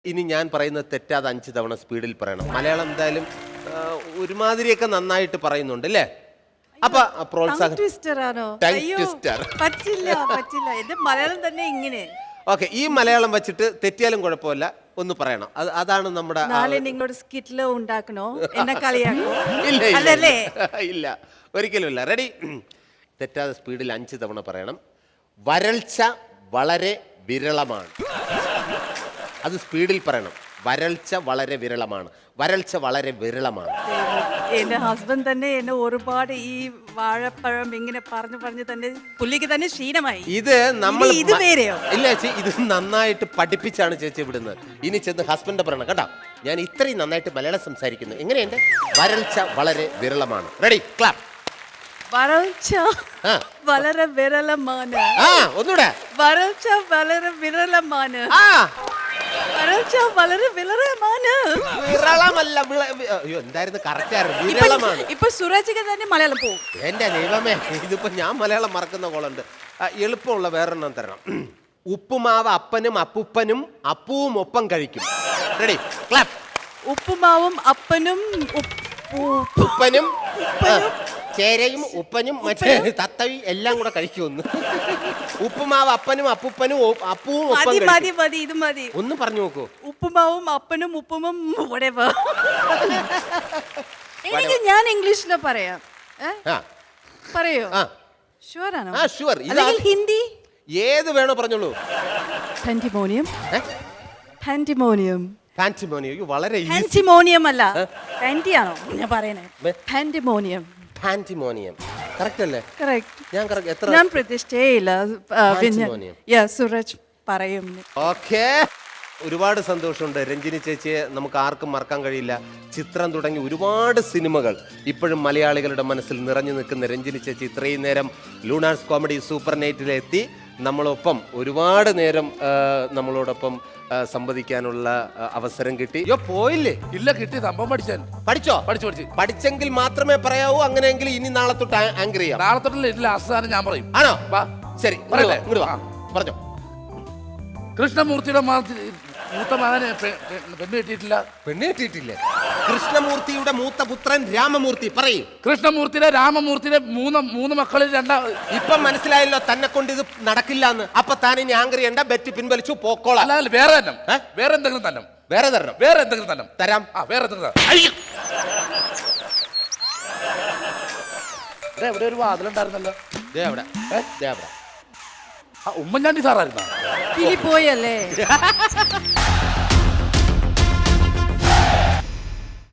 ഇനി ഞാൻ പറയുന്നത് തെറ്റാതെ 5 തവണ സ്പീഡിൽ പറയണം. മലയാളം എന്തായാലും ഒരുമാതിരിയൊക്കെ നന്നായിട്ട് പറയുന്നുണ്ട് അല്ലേ? അപ്പൊ പ്രോത്സാഹനം. മലയാളം തന്നെ ഇങ്ങനെ. ഓക്കെ, ഈ മലയാളം വെച്ചിട്ട് തെറ്റിയാലും കുഴപ്പമില്ല, ഒന്ന് പറയണം. അതാണ് നമ്മുടെ. നിങ്ങളോട് സ്കിറ്റിലോ ഉണ്ടാക്കണോ, എന്നെ കളിയാക്കോ? ഇല്ല, ഒരിക്കലും ഇല്ല. റെഡി? തെറ്റാതെ സ്പീഡിൽ 5 തവണ പറയണം. വരൾച്ച വളരെ വിരളമാണ്. അത് സ്പീഡിൽ പറയണം. വരൾച്ച വളരെ വിരളമാണ്. വരൾച്ച വളരെ വിരളമാണ്. എന്റെ ഹസ്ബൻഡ് തന്നെ എന്നെ ഒരുപാട് ഈ വാഴപ്പഴം ഇങ്ങനെ പറഞ്ഞു തന്നെ പുള്ളിക്ക് തന്നെ ക്ഷീണമായി. ഇത് നമ്മൾ ഇത് വേറെയോ? ഇല്ല ചേച്ചി, ഇത് നന്നായിട്ട് പഠിപ്പിച്ചാണ് ചേച്ചി വിടുന്നത്. ഇനി ചെന്ന് ഹസ്ബൻഡ് പറയണം കേട്ടോ, ഞാൻ ഇത്രയും നന്നായിട്ട് മലയാളം സംസാരിക്കുന്നു. എങ്ങനെയുണ്ട്? വരൾച്ച വളരെ വിരളമാണ്. റെഡി? ക്ലാപ്പ്. വരൾച്ച വളരെ വിരളമാണ്. ഒന്നുകൂടെ. വരൾച്ച വളരെ വിരളമാണ്. വരൾച്ച വളരെ വിരളമാണ്. വിരളമല്ല, അയ്യോ എന്തായിരുന്നു കറക്റ്റ് ആയിരുന്നു. വിരളമാണ്. ഇപ്പൊ സുരജിക്ക് തന്നെ മലയാളം പോകും. എന്റെ ദൈവമേ, ഇതിപ്പോ ഞാൻ മലയാളം മറക്കുന്ന കോളുണ്ട്. എളുപ്പമുള്ള വേറൊരെണ്ണം തരണം. ഉപ്പുമാവ് അപ്പനും അപ്പൂപ്പനും അപ്പൂവും ഒപ്പം കഴിക്കും. റെഡി? ക്ലാപ്പ്. ഉപ്പുമാവും അപ്പനും ഉപ്പനും ചേരയും ഉപ്പനും മറ്റേ തത്തവി എല്ലാം കൂടെ കഴിക്കുമെന്ന്. ഉപ്പുമാവ് അപ്പനും അപ്പൂപ്പനും അപ്പൂവും ഒപ്പം ഇത് മതി. ഒന്ന് പറഞ്ഞു നോക്കൂ. ഉപ്പുമാവും അപ്പനും ഉപ്പുമും എനിക്ക് ഞാൻ ഇംഗ്ലീഷില് പറയാം. പറയോ? ഷുവർ ആണോ? ഷുവർ. ഹിന്ദി ഏത് വേണോ പറഞ്ഞോളൂ. പാൻറ്റിമോണിയം. പാൻറ്റിമോണിയം. പാൻറ്റിമോണിയം വളരെ പാൻറ്റിമോണിയം അല്ല, പാൻറ്റിയാണോ ഞാൻ പറയണേ? പാൻറ്റിമോണിയം. പാൻറ്റിമോണിയം കറക്റ്റ് അല്ലേ? കറക്റ്റ്. ഞാൻ പ്രതിഷ്ഠയില്ല. സുരജ് പറയും. ഓക്കെ, ഒരുപാട് സന്തോഷമുണ്ട്. രഞ്ജിനി ചേച്ചിയെ നമുക്ക് ആർക്കും മറക്കാൻ കഴിയില്ല. ചിത്രം തുടങ്ങി ഒരുപാട് സിനിമകൾ ഇപ്പോഴും മലയാളികളുടെ മനസ്സിൽ നിറഞ്ഞു നിൽക്കുന്ന രഞ്ജിനി ചേച്ചി ഇത്രയും നേരം ലൂണാർസ് കോമഡി സൂപ്പർ നൈറ്റിലെത്തി നമ്മളൊപ്പം ഒരുപാട് നേരം നമ്മളോടൊപ്പം സംവദിക്കാനുള്ള അവസരം കിട്ടി. അയ്യോ പോയില്ലേ? ഇല്ല, കിട്ടി. സംഭവം പഠിച്ചോ? പഠിച്ചെങ്കിൽ മാത്രമേ പറയാവൂ. അങ്ങനെയെങ്കിൽ ഇനി നാളെ തൊട്ട് ആങ്കർ ചെയ്യാം. നാളെ തൊട്ടില്ല, ഇല്ല അവസാനം ഞാൻ പറയും. ആണോ? ശരി, ഇങ്ങോട്ട് വാ. പറഞ്ഞോ. കൃഷ്ണമൂർത്തിയുടെ മൂത്ത മകന് പെണ്ണ് കിട്ടിയിട്ടില്ല. പെണ്ണ് കിട്ടിയിട്ടില്ലേ? കൃഷ്ണമൂർത്തിയുടെ മൂത്ത പുത്രൻ രാമമൂർത്തി. പറയും. കൃഷ്ണമൂർത്തിയുടെ രാമമൂർത്തിയുടെ മൂന്ന് മക്കളിൽ ഇപ്പൊ മനസ്സിലായല്ലോ തന്നെ കൊണ്ട് ഇത് നടക്കില്ല എന്ന്. അപ്പൊ താൻ ഇനി ആങ്കർ ചെയ്യണ്ട, ബെറ്റ് പിൻവലിച്ചു, പോക്കോളാം. അല്ല, വേറെ തന്നെ. വേറെ എന്തെങ്കിലും തന്നെ. വേറെ തരണം. വേറെ എന്തെങ്കിലും തന്നെ തരാം. വേറെ എന്തെങ്കിലും. ഇവിടെ ഒരു വാതിലുണ്ടായിരുന്നല്ലോ. അവിടെ ഉമ്മൻചാണ്ടി സാറായിരുന്നോ? പോയല്ലേ?